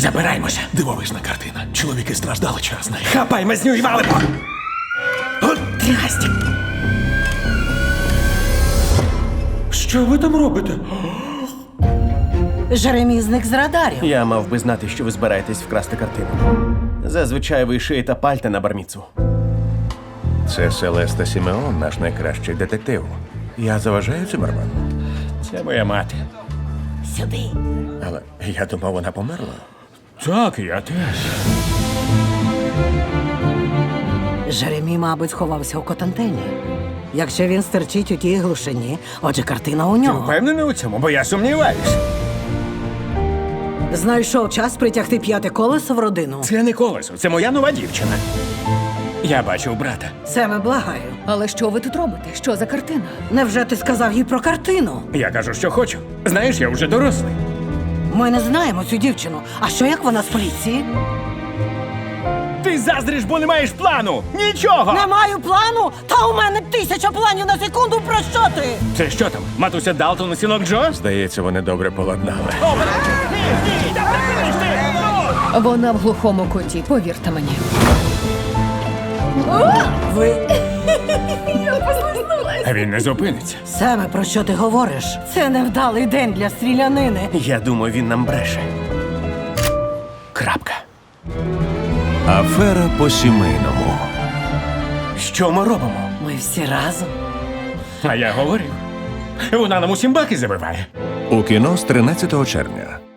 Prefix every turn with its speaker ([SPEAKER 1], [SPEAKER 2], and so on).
[SPEAKER 1] Забираємося.
[SPEAKER 2] Дивовижна картина. Чоловіки страждали через неї.
[SPEAKER 1] Хапай мазню і валимо! От трясть! Що ви там робите?
[SPEAKER 3] Жеремі зник з радарів.
[SPEAKER 4] Я мав би знати, що ви збираєтесь вкрасти картину. Зазвичай ви шиєте пальта на барміцу.
[SPEAKER 5] Це Селеста Сімеон, наш найкращий детектив. Я заважаю Циммерману.
[SPEAKER 1] Це моя мати.
[SPEAKER 3] Сюди.
[SPEAKER 5] Але я думав, вона померла.
[SPEAKER 1] Так, я теж.
[SPEAKER 3] Жеремі, мабуть, сховався у Котантені. Якщо він стерчить у тій глушині, отже, картина у нього.
[SPEAKER 1] Впевнений у цьому, бо я сумніваюсь.
[SPEAKER 3] Знайшов час притягти п'яте колесо в родину.
[SPEAKER 1] Це не колесо, це моя нова дівчина. Я бачив брата.
[SPEAKER 3] Семе, благаю.
[SPEAKER 6] Але що ви тут робите? Що за картина?
[SPEAKER 3] Невже ти сказав їй про картину?
[SPEAKER 1] Я кажу, що хочу. Знаєш, я вже дорослий.
[SPEAKER 3] Ми не знаємо цю дівчину. А що як вона з поліції?
[SPEAKER 1] Ти заздриш, бо не маєш плану! Нічого!
[SPEAKER 3] Не маю плану? Та у мене 1000 планів на секунду. Про що ти?
[SPEAKER 1] Це що там? Матуся Далтон і синок Джо?
[SPEAKER 5] Здається, вони добре поладнали.
[SPEAKER 6] Вона в глухому куті, повірте мені.
[SPEAKER 3] Ви...
[SPEAKER 1] А він не зупиниться.
[SPEAKER 3] Семе, про що ти говориш? Це невдалий день для стрілянини.
[SPEAKER 4] Я думаю, він нам бреше. Крапка.
[SPEAKER 5] Афера по-сімейному.
[SPEAKER 4] Що ми робимо?
[SPEAKER 3] Ми всі разом.
[SPEAKER 1] А я говорив. Вона нам усім баки забиває.
[SPEAKER 5] У кіно з 13 червня.